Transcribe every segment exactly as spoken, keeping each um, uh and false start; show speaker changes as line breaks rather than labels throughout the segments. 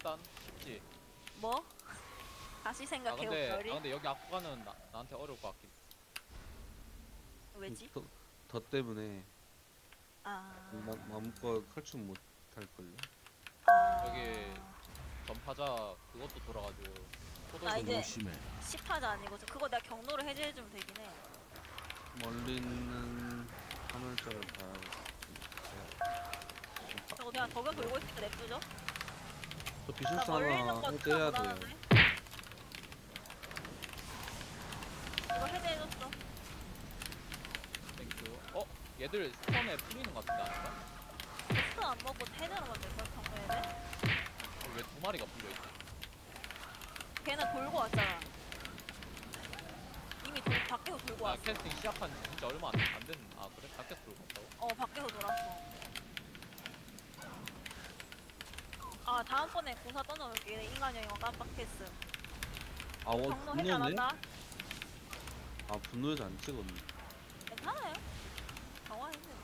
일단 쉽지.
뭐? 다시
아
생각해
근데 아
옥별이?
근데 여기 악구가는 나, 나한테 어려울 것 같긴.
왜지?
더, 더 때문에 마,
아...
마음껏 칼춤 못 할걸요?
여기
아...
전파자 그것도 돌아가지고
나
포도도
이제
돌고.
십파자 아니고 저 그거 내가 경로를 해제해주면 되긴 해.
멀리 있는 화물자를 봐야
저거 그냥 덕연 돌고 있을 때 냅두죠?
저
나
비술사
멀리 있는
하나
거
해제해야
생각 못
돼요.
하는데? 이거 해제해줬어.
땡큐. 어? 얘들 스턴에 풀리는 것 같은데 아닌가?
스턴 안 먹고 해제하는 건데 이거 경로 해제?
왜 두 마리가 풀려있지?
걔는 돌고 왔잖아. 이미 돌, 밖에서 돌고
야
왔어.
캐스팅 시작한 지 진짜 얼마 안, 안 됐.. 아 그래? 밖에서 돌고 왔다고?
어 밖에서 돌았어. 아 다음번에 고사 떠넣을게. 인간 여행어 깜빡했음.
아, 어,
경로 해제 안
분노네?
한다?
아, 분노에서 안 찍었네.
괜찮아요. 정화했네.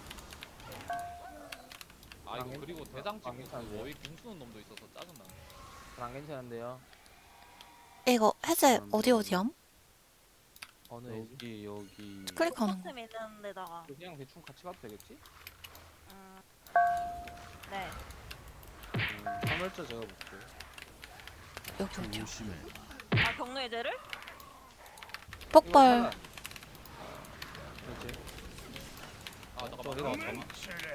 아 이거
안
그리고
괜-
대장
안
찍고 그
괜찮은데요?
워익 궁수는 놈도 있어서 짜증나.
안 괜찮은데요?
이거 해제
음,
어디 어디함?
어느 애지?
여기, 여기.
클릭하는 거.
포스템 있는 데다가.
그냥 대충 같이 가도 되겠지?
음... 네.
음, 화물자 제가 볼게요.
여기 어디야?
아 경로 해제를?
폭발.
그렇지.
아
어,
잠깐만.
내가
잠깐만.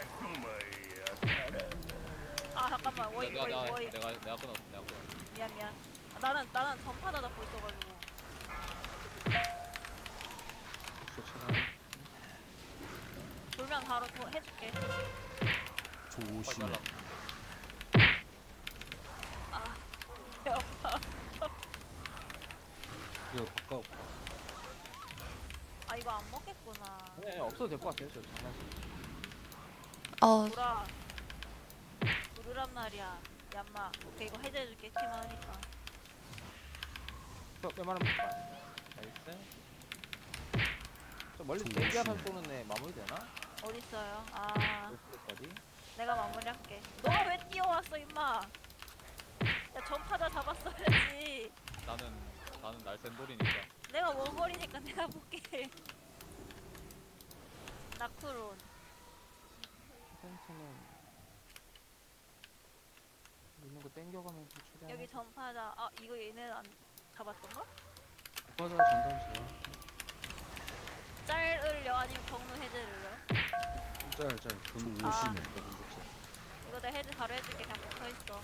아 잠깐만 워이
내가
워이
내가
워이
내가 내가 끊었어. 내가 끊었어.
미안 미안. 아, 나는 나는 전파자 잡고 있어가지고.
독소 차단.
돌면 바로 더 해줄게.
빨리 잘라.
아 배 아파.
이거 바꿔.
아 이거 안 먹겠구나.
네, 없어도 될 것 같아요. 저 장난치.
어,
돌아. 부르란 말이야. 얌마. 오케이 이거 해제해줄게. 키만 하니까.
웬만하면 볼까? 나이스. 저 멀리 대기하면 쏘는 애 마무리 되나?
어딨어요? 아
어디?
내가 마무리할게. 너가 왜 뛰어왔어 임마. 야 전파자 잡았어야지.
나는 나는 날쌘돌이니까.
내가 원거리니까 내가 볼게. 나쿠론.
텐트는 있는 거 땡겨가면서 최대한.
여기 전파자. 아 이거 얘네 안 잡았던가?
화자 전담 제가.
짤을요 아니면 경로 해제를요?
짤, 짤. 분
아.
오시네.
이거 내가 해제 바로 해줄게. 그냥 붙어있어.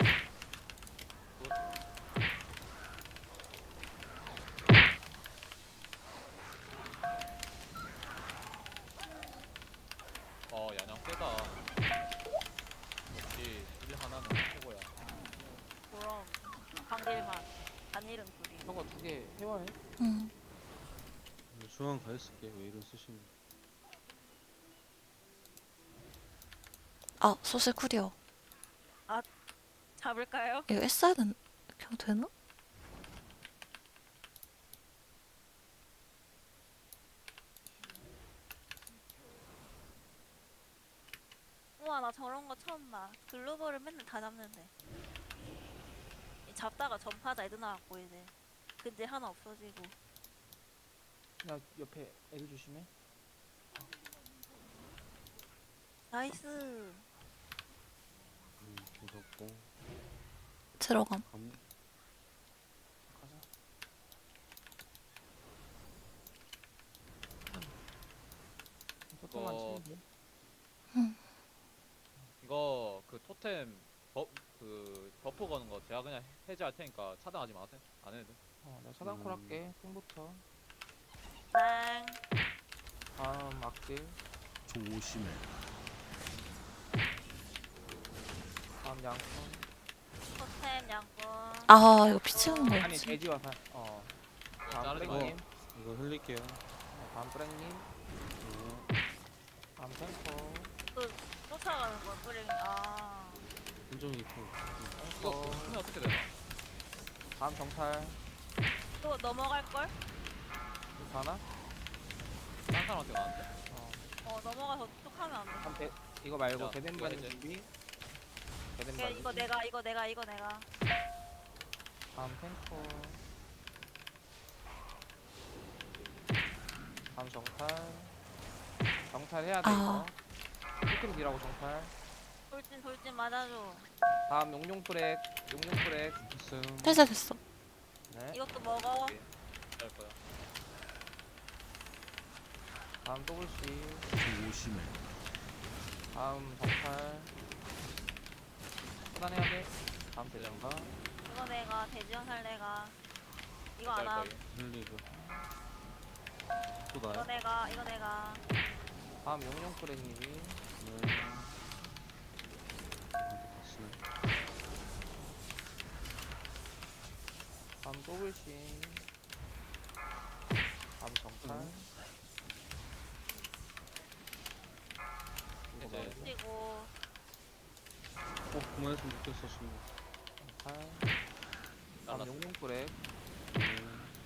어 야냥 세다. 역시 일 하나는 최고야.
그럼 방길만 단일은 둘이.
저거 두 개 회원해?
응.
중앙 가 있을게. 왜 이런 쓰시는?
아, 소실 쿠리어.
잡을까요?
이거 했어야 된, 그냥 되나?
우와 나 저런 거 처음 봐. 글로벌을 맨날 다 잡는데. 이 잡다가 전파자 애들 나왔고 이제 근데 하나 없어지고.
야 옆에 애들 조심해.
나이스.
음, 무섭고.
들어감.
감,
가자. 소통만
이거-
치면 돼.
이거 그 토템 버, 그 버프 거는 거 제가 그냥 해제할 테니까 차단하지 마세요. 안 해도 돼.
어, 나 차단콜
음.
할게. 탱부터.
땡.
다음 악질.
조심해.
다음 양손.
토템 양꾼.
아, 이거 피 채우는
아니
거였지.
돼지와 사. 어. 다음
자르지
프랭님.
이거 흘릴게요.
어, 다음 프랭님.
네.
다음 탱커.
또 쫓아가는 거야 뿌링. 아.
한정이 있고.
이거
탱커.
쓰면 어떻게 되나?
다음 정찰.
또 넘어갈 걸?
이거 하나?
딴 사람한테 가는데?
어.
어 넘어가서 툭 하면 안 돼.
다음 대, 이거 말고
야,
대된
이거
반응
해제.
준비. 대den
오케이, 이거
말리기.
내가 이거 내가 이거 내가.
다음 탱커. 다음 정탈. 정탈 해야 돼
아.
이거. 조금 딜하고 정탈.
돌진 돌진 맞아줘.
다음 용용 브렉. 용용 브렉.
됐어요.
됐어 됐어.
네.
이것도 먹어.
할 거야.
다음 더블C.
조심해.
다음 정탈. 차단해야 돼. 다음 대장가.
이거 내가 돼지형 살 내가. 이거
할
안 함.
거야.
흘리고. 또
이거
나요?
내가 이거 내가.
다음 용용 브렉님이.
네. 아, 다시네.
다음 더블C. 다음 정탈.
음.
이거
이제
말고
그리고
어, 그만했으면 좋겠어, 친구.
정탈. 다음
날랐어.
용용 브렉.
네.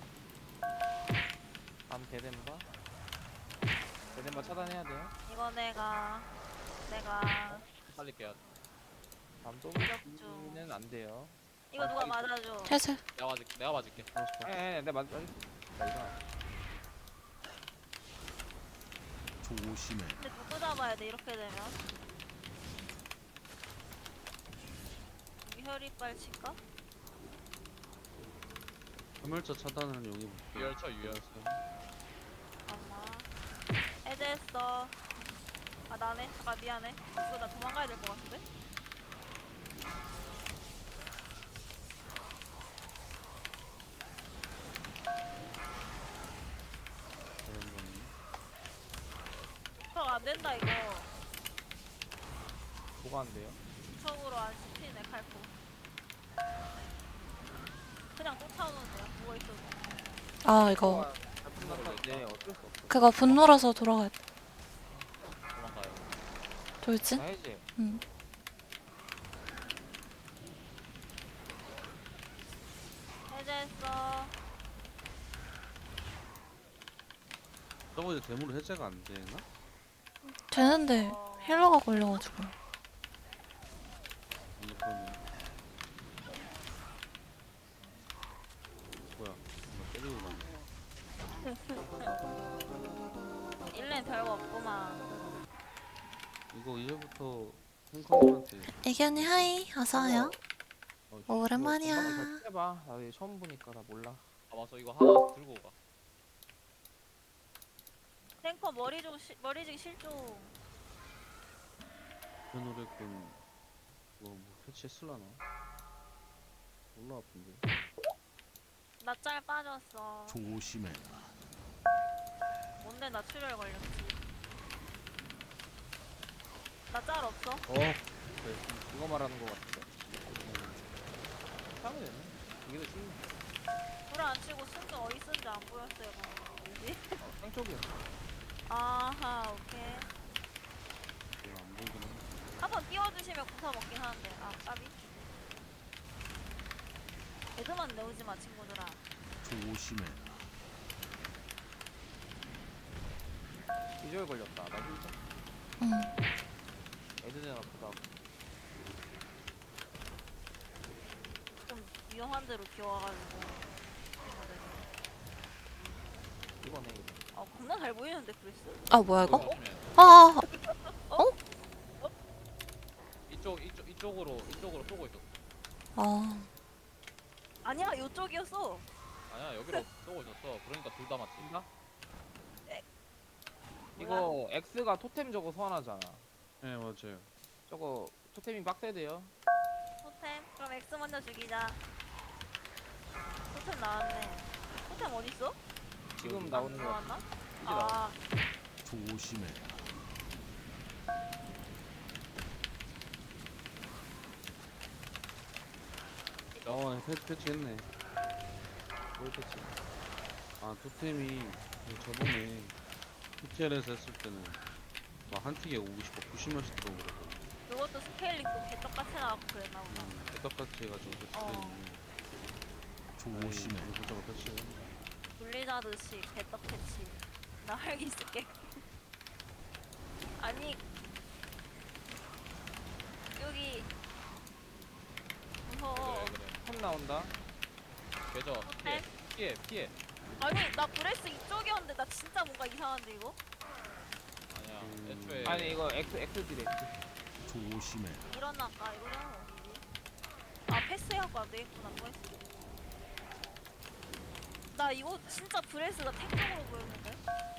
다음 대덴바. 대덴바 차단해야 돼요.
이거 내가 내가
살릴게요.
다음
무력주.
더블C는 안 돼요.
이거 누가 맞아줘.
해제.
내가 맞을게. 내가 맞을게.
알았어.
에에 내 맞. 나 이거.
조심해.
근데 누구 잡아야 돼 이렇게 되면? 여기 혈이빨 칠까?
화물차 차단은 여기 볼게요.
유열쳐 유열.
잠깐만. 해제했어. 아 나네. 잠깐 미안해. 이거 나 도망가야 될 것 같은데? 척 안 된다 이거.
뭐가 안 돼요?
척으로 안 씹히네 칼포. 그냥 쫓아오는데요. 누워 있어도.
아 이거
네 어쩔 수 없어.
그거 분노라서 돌아가야 돼.
도망가요.
돌진?
나 해제.
응.
해제했어.
저거 이제 대물 해제가 안 되나?
되는데
어.
힐러가 걸려가지고.
아니, 그러면. 뭐야, 나 때리고 가네.
일 년 별거 없구만.
이거 이제부터 탱커님한테.
애기 언니 하이. 어서와요.
어,
오랜만이야.
잘 해봐. 나 이거 처음 보니까 나 몰라.
아 맞아. 이거 하나 들고 가.
탱커 머리 좀 시, 머리지기 실종.
그 노래꾼 뭐, 뭐 패치했을라나? 몰라 아픈데.
나 짤 빠졌어.
조심해.
뭔데 나 출혈 걸렸지. 나 짤 없어?
어.
이거 말하는 거 같은데. 하면 되네. 이게 더 쉬운.
불을 안 치고 쓴 게 어디 쓴지 안 보였어요. 방금. 뭐지?
어, 땡쪽이야.
아하 오케이.
이거 안 보이긴 해.
한번 띄워주시면 구사 먹긴 하는데. 아 까비. 애드만 내오지 마 친구들아.
조심해.
기절 걸렸다. 나 힐 좀.
응.
애드는 아프다.
좀 위험한 데로 기어와가지고. 친구들이.
이거네 이거.
아 겁나 잘 보이는데 그랬어.
아 뭐야 이거?
조심해.
아, 아,
이쪽 이쪽 이쪽으로 이쪽으로 쏘고 있었어.
아.
아니야 요쪽이었어.
아니야 여기로 쏘고 있었어. 그러니까 둘 다 맞지.
인가? 이거 X가 토템 저거 소환하잖아.
네 맞아요.
저거 토템이 빡세대요.
토템? 그럼 X 먼저 죽이자. 토템 나왔네. 토템 어딨어?
지금
여기.
나오는 거.
나왔나?
이제 나와.
아
조심해.
어 패치 패치했네.
뭘 패치?
아 토템이 저번에 피티엘에서 했을 때는 막 한 틱에 오십, 구십 몇씩 들어오거든.
그것도 스케일링 또 개떡같이 나왔고 그랬나 보다.
음, 똑같이 해가지고
어.
패치되는.
조심해.
이거 패치.
블리자드식 개떡 패치. 나 활기 쓸게. 아니 여기
나온다.
계좌 피해
토템?
피해 피해.
아니 나 브레스 이쪽이었는데 나 진짜 뭔가 이상한데 이거?
아니야
음.
애초에
아니 이거 X X 디렉트.
조심해.
일어날까 이거는 어디지? 아 패스해갖고 안 되겠구나 뭐 했어. 나 이거 진짜 브레스가 탱적으로 보였는데?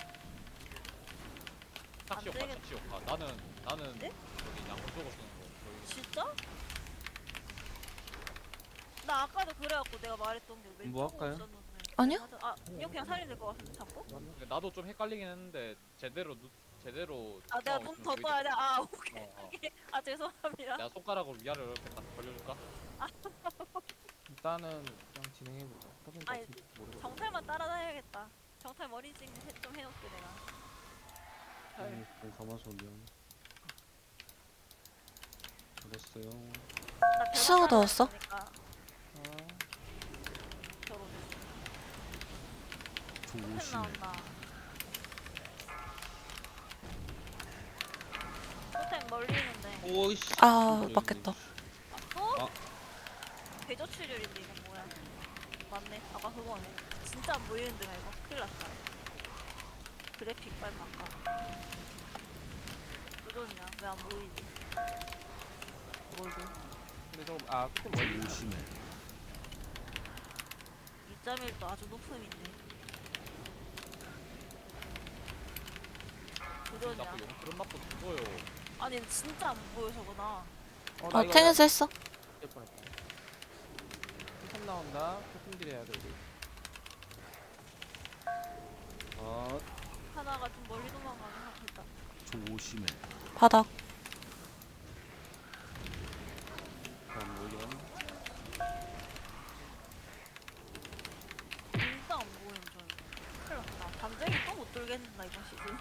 착시
안
효과
되겠-
착시 효과. 나는 나는
네?
저기 양쪽 쓰는 거 거의
진짜? 나 아까도 그래갖고 내가 말했던 게 왼쪽으로
뭐 할까요?
있었는데.
아니요.
맞아. 아 이거 그냥 살리면 될 것 같은데 자꾸?
근데 나도 좀 헷갈리긴 했는데 제대로 누, 제대로
아 내가
어,
눈
좀
더
보이게-
떠야 돼. 아 오케이.
어, 어.
아 죄송합니다.
내가 손가락으로 위아래로 이렇게 딱 벌려줄까?
일단은 그냥 진행해보자. 터진
아니,
어떻게 모르겠어.
정탈만 따라다녀야겠다. 정탈 머리 찍는 좀 해놓게 내가. 헐.
네, 가마솥 미안. 알았어요.
나 배만
수호 넣었어?
따라다니니까
어.
결혼. 템
조심해.
나온다. 토템 멀리 있는데.
오이씨.
아, 맞겠다.
또?
아.
대저출혈인데 이건 뭐야? 맞네. 아까 그거네. 진짜 안 보이는데 나 이거 큰일 났다. 그래픽 빨리 바꿔. 그러냐? 왜 안 보이지?
골드. 근데 저거 아 끝에 멀리 있다.
조심해.
이 점 일도 아주 높음인데. 그러냐?
나쁘 용 그런 맛도 죽어요.
아니 진짜 안 보여서구나.
어, 나
어,
이거
탱에서 했어.
될 뻔했다. 템 나온다. 토템 딜해야 돼 우리.
아,
하나가 좀 멀리 도망가긴 하겠다.
조심해.
바닥.
안 보이긴.
진짜 안 보이는 줄. 큰일 났다. 담쟁이 또 못 돌겠는다 이번 시즌.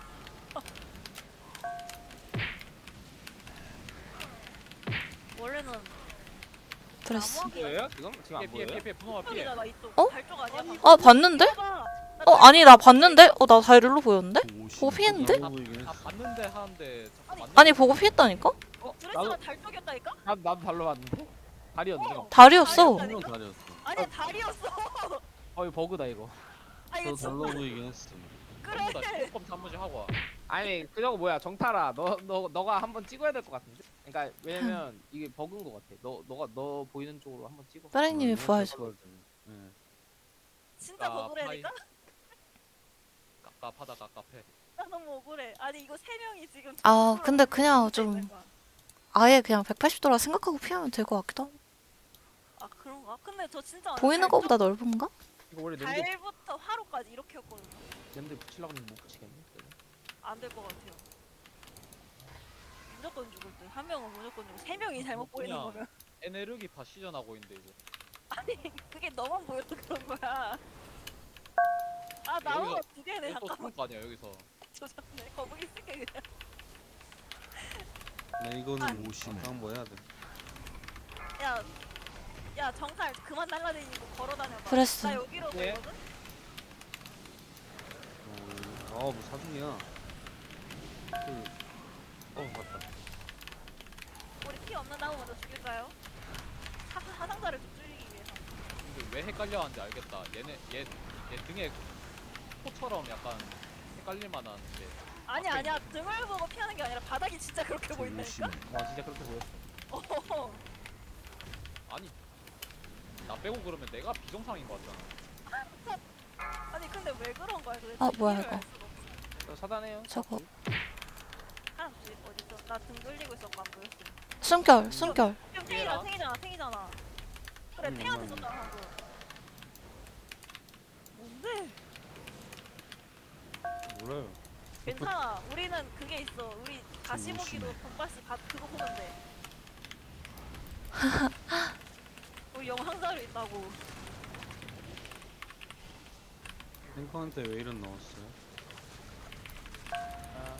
원래는
브레스.
나무하기가
보여요? 지금 지금
피해
안
피해
보여요?
피해 피해 분홍아 피해.
이쪽이잖아 이쪽.
어?
발쪽 아니야? 방금?
아, 봤는데?
봐봐. 나
어, 아니, 나 봤는데? 어, 나 다이를로 보였는데? 보고
조심해.
피했는데?
안 보이긴
다
했어.
봤는데 하는데 자꾸
아니,
맞는
아니, 보고 피했다니까?
어?
드레스가
나도
달 쪽이었다니까?
나 나도 발로 봤는데. 다리였는데.
어.
다리였어.
분명 다리였어.
아니 다리였어.
어 이거 버그다 이거.
아 이거
저
진짜
달러 보이긴 했어.
전부 다
그래.
조금 한 번씩 하고 와.
아니 그저거 뭐야 정탈아 너 너 너가 한번 찍어야 될 것 같은데. 그러니까 왜냐면 이게 버그인 것 같아. 너 너가 너 보이는 쪽으로 한번 찍어.
빠랭님이
어,
부활.
부활 좀. 네.
진짜
아,
억울해니까?
깝깝하다 깝깝해.
나 너무 억울해. 아니 이거 세 명이 지금.
아,
뒷으로
근데 그냥
붙어 있는
좀
거야.
아예 그냥 백팔십 도라 생각하고 피하면 될 것 같기도 하고.
아 그런가? 근데 저 진짜
보이는
달
것보다 넓은가?
이거 원래 냄새
달부터 화로까지 이렇게였거든요.
냄새 붙이려고 하면 못 붙이겠네.
안 될 것 같아요. 무조건 죽을 듯. 한 명은 무조건 죽고 세 명이 잘못 보이는
그냥.
거면.
에네르기파 시전하고 있는데 이제.
아니 그게 너만 보여서 그런 거야. 아 나무가
여기서-
두 개네.
또
잠깐만
죽을 거 아니야 여기서.
조졌네. 거북이 쓸게 그냥.
네, 이거는
조심해.
아까 뭐 해야 돼.
야, 야 정탈 그만 날라다니고 걸어다녀봐.
브레스.
나 여기로
예.
오거든?
어, 아, 뭐 사중이야. 그, 어, 맞다.
우리 피 없는 나무 먼저 죽일까요? 하, 하상자를 좀 줄이기 위해서.
근데 왜 헷갈려 하는지 알겠다. 얘네 얘, 얘 등에 코처럼 약간 헷갈릴 만한데.
아니
앞에
아니야 등을 보고 피하는 게 아니라 바닥이 진짜 그렇게 보인다니까?
조심해.
와 진짜 그렇게 보였어.
어허허.
아니 나 빼고 그러면 내가 비정상인 거 같잖아.
아니 근데 왜 그런 거야 도대체?
아, 뭐야,
이해를
이거.
알 수가 없어.
저 차단해요.
저거.
사람 집 어딨어? 나 등 돌리고 있었고 안 보였어.
숨결, 숨결.
지금
얘랑?
탱이잖아 탱이잖아 탱이잖아. 그래
음,
탱한테
음.
줬잖아 방금. 뭔데?
몰라요.
괜찮아. 우리는 그게 있어. 우리 다시 보기로
조심해.
돈바스 바, 그거 보면 돼. 우리 영상자료 있다고.
탱커한테 왜 이런 넣었어요?
아,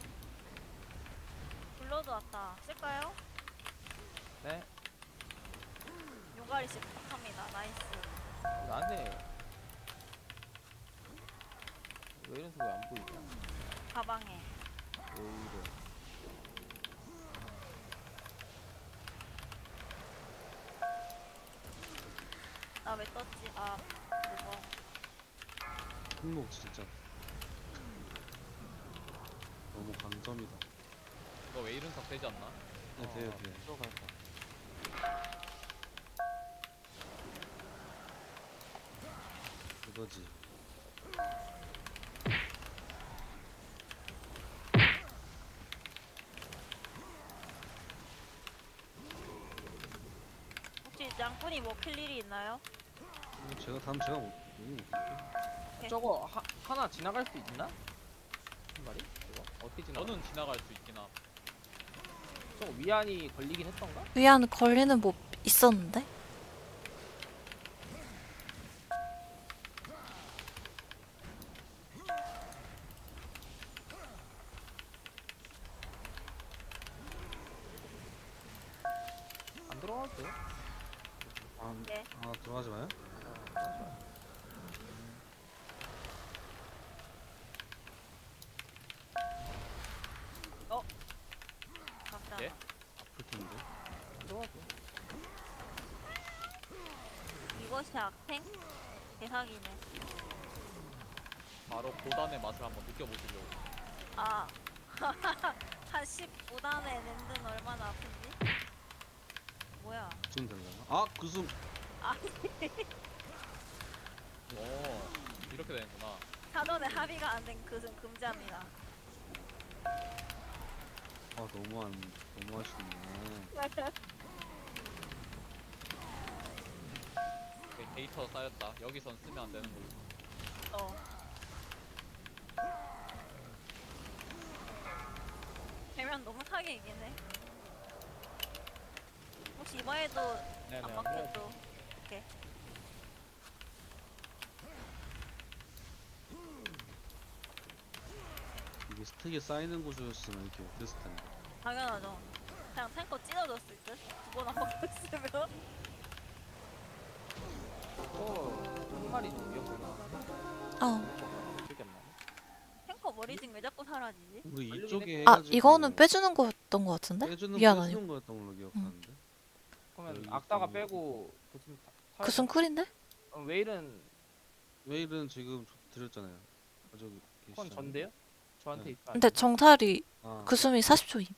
블러드 왔다. 쓸까요?
네.
요가리씨 부탁합니다. 나이스.
나한테 왜 이런 소리 안 보이냐?
가방에.
왜 이래?
나 왜 떴지? 아 이거
행복 진짜 너무 강점이다.
이거 왜 이run석 되지 않나?
네, 돼요, 돼요.
들어갈 거.
그거지.
혹시 양꾼이 먹힐 일이 있나요?
이거 제가 다음 제가 못. 음.
저거 하, 하나 지나갈 수 있나? 한 마리? 이거 어떻게 지나가?
저는 지나갈 수 있긴 함.
저거 위안이 걸리긴 했던가?
위안 걸리는 뭐 있었는데?
안 들어가도 돼.
아,
네.
아 들어가지 마요.
감사합니다.
예?
아플 텐데.
들어가도 돼.
이것이 악탱? 대상이네.
바로 고단의 맛을 한번 느껴보시려고.
아, 한 십오 단의 랜드는 얼마나 아픈지? 뭐야?
좀 되려나? 아 그숨.
아,
오, 이렇게 되는구나.
사전에 합의가 안 된 그은 금지합니다.
아 너무한 너무하시네.
데- 데이터 쌓였다. 여기선 쓰면 안 되는 거고.
어. 되면 너무 사기이긴 해. 혹시 이번에도
네네.
안 막혀도 오케이.
이게 스택이 쌓이는 구조였으면 이렇게 못했을 텐데.
당연하죠. 그냥 탱커 찢어졌을 듯? 두 번 안 막혔으면?
어, 한 마리 좀 위협구나.
어.
기억이 안 나네.
탱커 머리징 왜 자꾸 사라지지?
우리
걸리긴
이쪽에
아
해가지고
이거는 빼주는 거였던 거 같은데?
빼주는
위안
빼주는
아니고.
거였던 걸로 기억하는데.
그러면
여기
악다가
좀-
빼고 무슨 타-
그슨 쿨인데?
어, 웨일은
웨일은 지금 저- 드렸잖아요. 아, 저기
그건
계시잖아요.
전데요? 저한테
네.
있어.
근데 정탈이
아,
그숨이 사십 초임.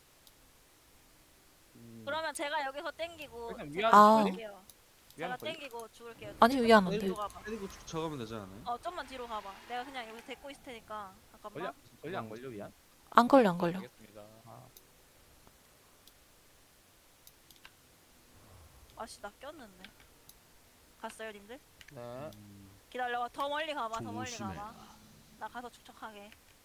음,
그러면 제가 여기서 땡기고
일단
제가
위안
아.
죽을게요. 제가
위안 걸리.
땡기고 죽을게요.
아니 위안 안
뒤로
돼.
가봐.
때리고 죽쳐가면 되지 않아요?
어 좀만 뒤로 가봐. 내가 그냥 여기서 데리고 있을 테니까
걸려?
잠깐만.
걸려 안 걸려 위안?
안 걸려 안 걸려.
알겠습니다.
아,
아씨 나 꼈는데. 갔어요 님들?
네.
음,
기다려봐. 더 멀리 가봐. 더 멀리
조심해.
가봐. 나 가서 축척하게.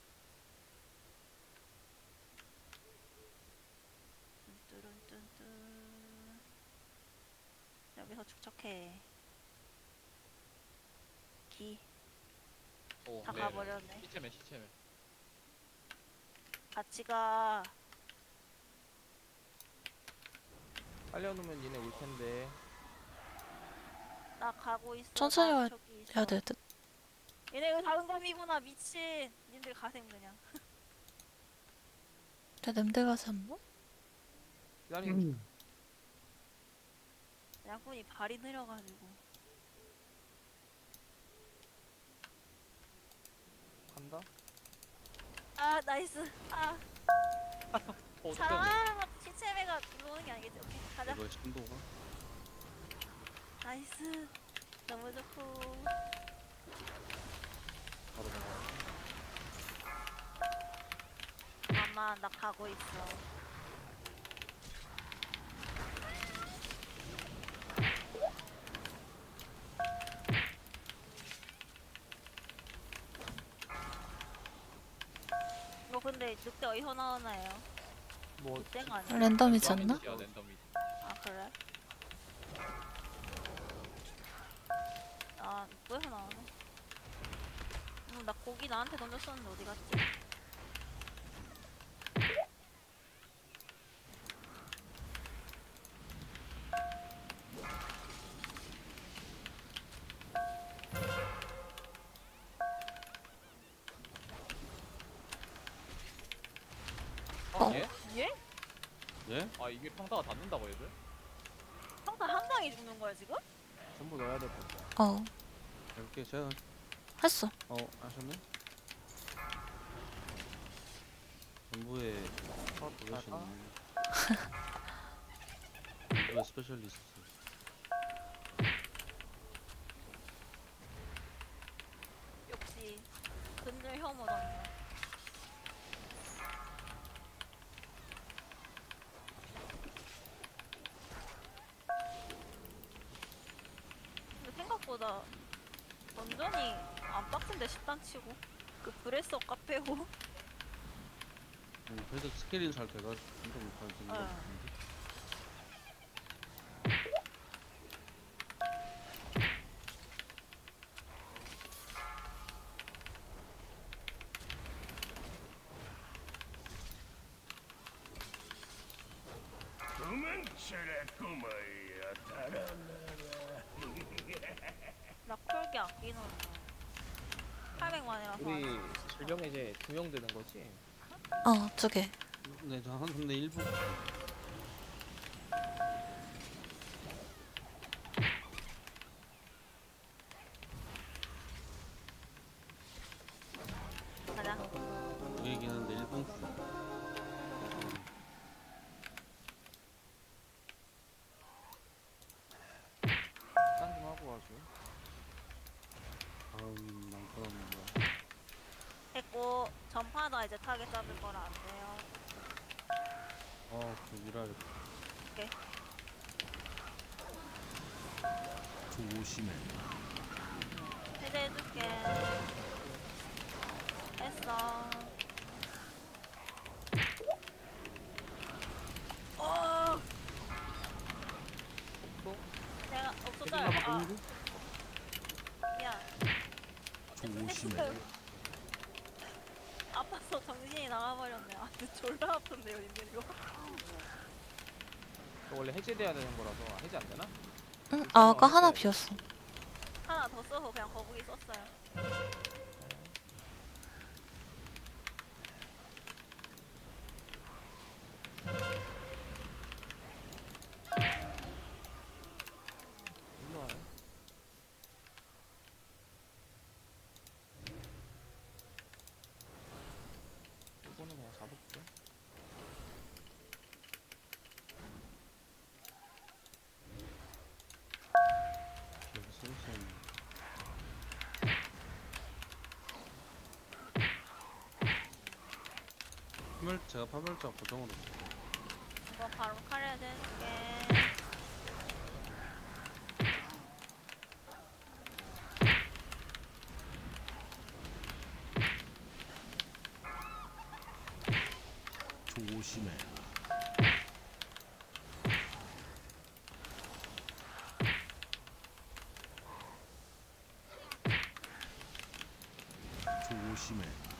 뚠뚜룬뚠뚠. 여기서 축척해. 기.
오,
다
네.
가버렸네.
시체맨, 시체맨.
같이 가.
빨리 오면 얘네 올 텐데.
나 가고 있어.
천천히
나
와야
저기 있어.
해야 될 듯.
얘네 이거 다은감이구나 미친. 님들 가셈 그냥.
내 냄새 가지 않나?
기다리고 있어.
양꾼이 발이 느려가지고.
간다.
아 나이스. 아
어,
사랑아. 시체매가 들어오는 게 아니겠지. 오케이 가자.
이거의 신도가
나이스. 너무 좋고.
바로 넘어가.
잠깐만 나 가고 있어. 이거 근데 늑대 어디서 나오나요?
뭐
늑대가 아니야?
랜덤이지 않나?
랜덤이지야, 랜덤이지.
아 그래? 아 뭐에서 나오네? 음, 나 고기 나한테 던졌었는데 어디 갔지?
어.
예?
예?
예?
아, 이게 평타가 닿는다고, 얘들?
평타 한 방이 죽는 거야 지금?
전부 넣어야 될 것 같아.
어,
이렇게 제가
했어.
어 하셨네? 전부에
컷
그것이네. 전부에 스페셜리스트.
역시 근절 혐오던데. 근데 생각보다 원전이 안 빡센데 십단 치고 그 브레스 카페고.
음, 그래도 스케일이 잘 돼가지고 진짜 못하는 생각
네.
같은데.
나 쿨기 아끼는데 팔백만이라서
우리 질병 이제 두 명 되는 거지?
어, 두 개.
네, 저한 근데 일부
가자.
두 개긴 한데 일부
딴 좀 하고 와줘.
다음 낭떠러는 뭐야?
했고 전파다 이제 타겟 잡을 거라 안 돼요.
어, 그 밀어야겠다.
조심해.
해제해줄게. 했어. 어. 내가 없었어요. 아, 미안.
조심해.
했어요. 아파서 정신이 나가버렸네. 아, 근데 졸라 아픈데요, 님들 이거.
저 원래 해제돼야 되는 거라서 해제 안 되나?
응, 아, 아까 하나 비었어.
하나 더 써서 그냥 거북이 썼어요.
일로 와요. 이거는 그냥 잡을게.
여기 쓸 수 있는. 파멸 제가 파멸자 고정으로 쓸게요.
이거 바로 카레 해줄게.
조심해. 조심해.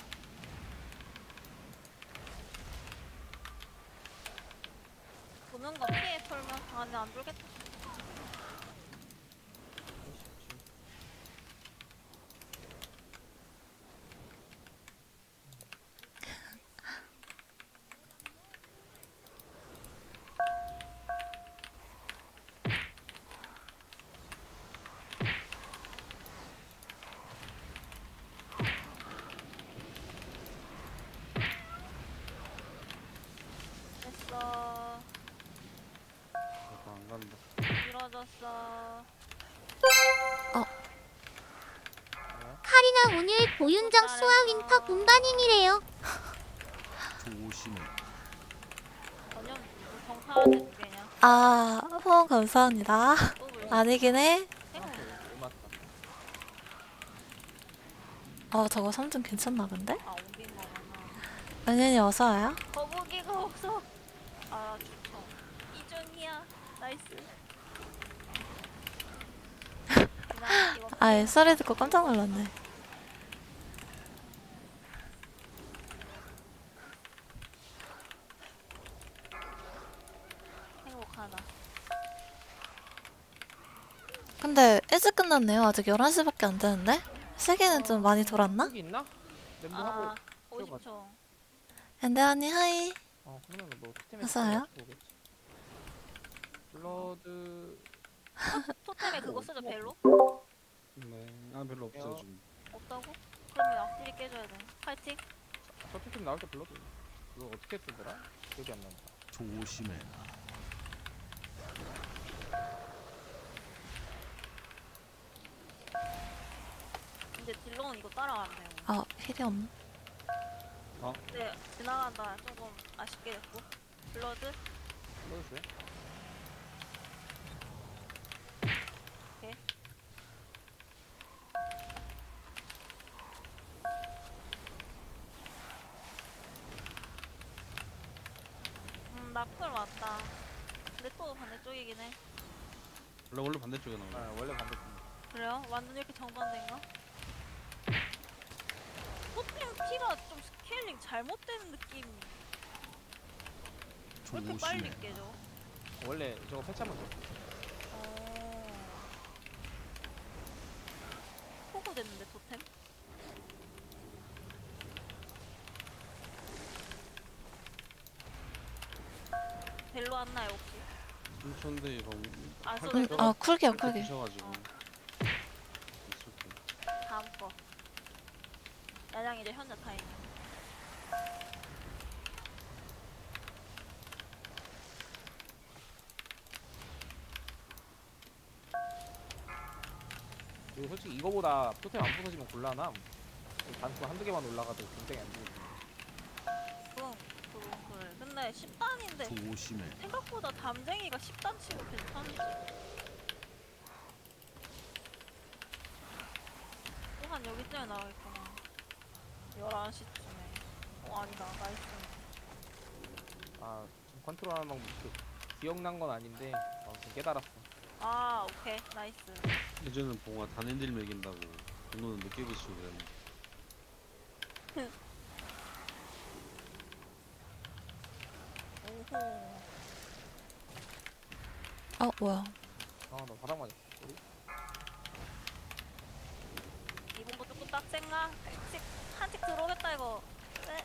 도는 거 피해 풀면 아 근데 안 돌겠다. 됐어.
저거 안 간다.
길어졌어.
카리나 오늘 고윤정 수아 윈터 분반인이래요.
조심해.
전혀 정파한테 두 개냐?
아, 후원 감사합니다.
또 불러.
아니긴 해.
해고.
맞다.
어, 저거 삼 등 괜찮나 본데?
아 옮긴 거구나.
은현이 어서 와요.
거북이가 없어. 아 좋죠. 이준이야. 나이스. 그냥 이거
아, 소리 듣고 깜짝 놀랐네.
행복하다.
근데 일찍 끝났네요. 아직 열한 시밖에 안 되는데? 세계는 좀 많이 돌았나?
여기 있나? 멤버
아
하고.
오십 초.
엔데아니 하이.
어 그러면 뭐 토템에
어서 와요.
블러드
토템에 그거 쓰죠 벨로?
네. 아 별로 없어요 지금.
없다고? 그러면 악질이 깨져야 돼. 파이팅.
저 토템 나올 때 불러줘. 그거 어떻게 쓰더라? 기억이 안 난다.
조심해라.
이제 딜러는 이거 따라가면 돼요.
아 힐이 없네.
근데 지나간다 조금 아쉽게 됐고. 블러드?
불러주세요.
음, 나풀 왔다. 근데 또 반대쪽이긴 해.
원래 원래 반대쪽에 나와요.
아, 원래 반대쪽.
그래요? 완전 이렇게 정반대인가? 토템 피가 좀 스케일링 잘못된 느낌. 왜 이렇게 빨리
조심해라.
깨져?
원래 저거 패치하면 돼.
어... 포고 됐는데 토템? 벨로 왔나요 혹시?
삼천대 이거
안 써도
쿨,
돼?
아 쿨기야 쿨기.
드셔가지고
어.
있을게.
다음 거. 야장 이제 현자 타임.
그리고 솔직히 이거보다 토템 안 부서지면 곤란함. 단수 한두 개만 올라가도 굉장히 안 좋거든.
그럼 그럼 그래. 근데 십 단인데
조심해라.
생각보다 담쟁이가 십 단 치고 괜찮지. 또 한 여기쯤에 나와있구나. 열한 시쯤에. 어 아니다. 나이스.
아, 좀 컨트롤하는 방법 그 기억난 건 아닌데 아무튼 깨달았어.
아 오케이. 나이스.
예전엔 봉화 단엔딜 매긴다고 번호는 늦게 붙이고 그랬는데
오호.
어 뭐야?
아, 나 바닥 맞았어. 우리?
이번 거 조금 빡센가? 한칙 한칙 들어오겠다 이거. 네.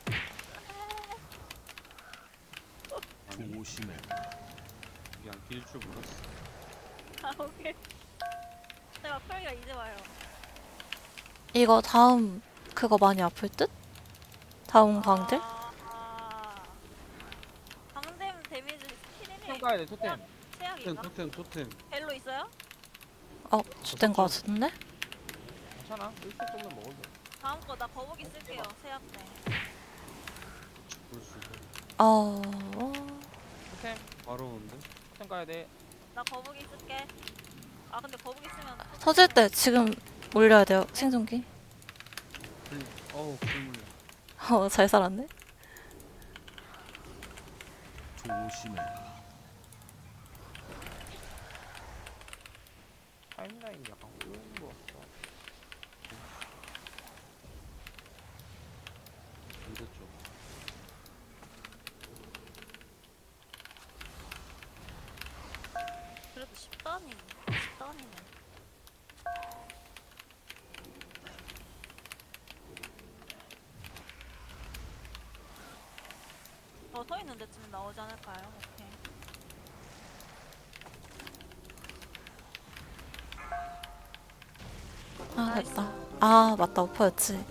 조심해라.
이게 안 낄 줄 몰랐어.
아 오케이. 내가 펄기가 이제 와요.
이거 다음 그거 많이 아플 듯? 다음 강들?
아, 아. 강댐 데미지
토템
스킬이
가야 돼, 토템.
토템
최악인가?
토템 토템.
벨로 있어요?
어 주된 거 같은데?
괜찮아. 일 초 정도 먹어도 돼.
다음 거 나 거북이 쓸게요. 세약 때.
볼 수. 있어.
어
토템,
바로 오는데.
토템 가야 돼.
나 거북이 쓸게. 아 근데 거북이 쓰면
터질 때 지금 올려야 돼요 생존기.
풀. 어우 풀물려.
어 잘 살았네.
조심해라.
타임라인이 약간 꼬이는 것 같아.
반대쪽.
그래도 십 단이네. 십 단이네. 더 서 있는 데쯤 나오지 않을까요? 오케이.
아 됐다. 아 맞다 오퍼였지.